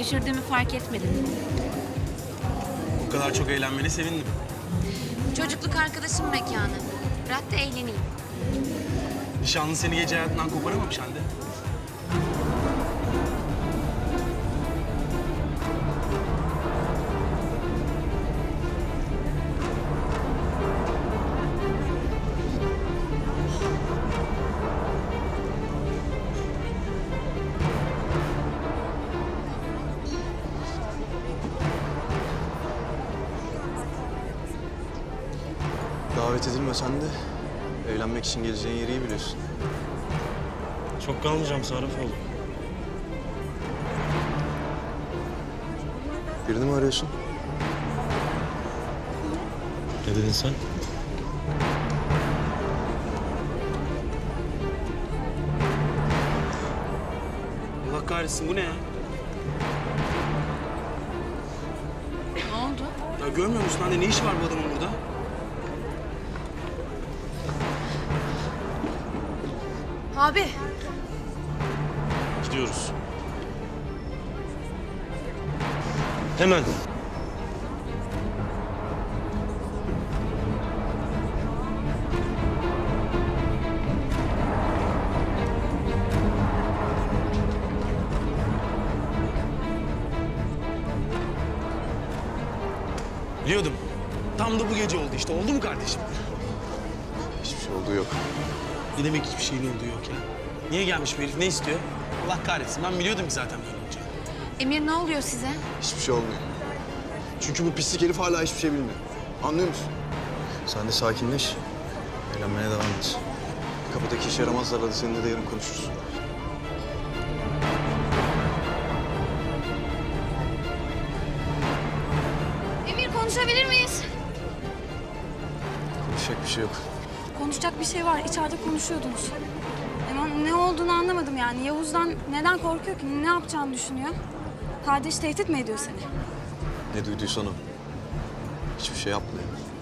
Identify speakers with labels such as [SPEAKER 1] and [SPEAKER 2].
[SPEAKER 1] düşürdüğümü fark etmedim.
[SPEAKER 2] Bu kadar çok eğlenmene sevindim.
[SPEAKER 1] Çocukluk arkadaşım mekanı. Bırak da eğleneyim.
[SPEAKER 2] Nişanlın seni gece hayatından koparamamış Hande.
[SPEAKER 3] Davet edilmesen de evlenmek için geleceğin yeri iyi biliyorsun.
[SPEAKER 4] Çok kalmayacağım Sarıfoğlu.
[SPEAKER 3] Birini mi arıyorsun?
[SPEAKER 4] Ne dedin sen?
[SPEAKER 2] Allah kahretsin, bu ne ya?
[SPEAKER 1] Ne oldu?
[SPEAKER 2] Ya görmüyor musun Hande, ne işi var bu adamın burada?
[SPEAKER 1] Abi.
[SPEAKER 4] Gidiyoruz. Hemen.
[SPEAKER 2] Biliyordum. Tam da bu gece oldu işte. Oldu mu kardeşim?
[SPEAKER 3] Hiçbir şey olduğu yok.
[SPEAKER 2] Ne demek hiçbir şeyin olduğu yok ya? Niye gelmiş bu herif? Ne istiyor? Allah kahretsin. Ben biliyordum ki zaten böyle olacak.
[SPEAKER 1] Emir ne oluyor size?
[SPEAKER 3] Hiçbir şey olmuyor. Çünkü bu pislik herif hala hiçbir şey bilmiyor. Anlıyor musun? Sen de sakinleş. Eğlenmeye devam et. Kapıdaki işe yaramazlarla da seninle de yarın konuşuruz.
[SPEAKER 5] Emir konuşabilir miyiz?
[SPEAKER 3] Konuşacak bir şey yok.
[SPEAKER 5] Konuşacak bir şey var. İçeride konuşuyordunuz. Ama ne olduğunu anlamadım yani. Yavuz'dan neden korkuyor ki? Ne yapacağını düşünüyor? Kardeş tehdit mi ediyor seni?
[SPEAKER 3] Ne duyduysan o. Hiçbir şey yapmıyor.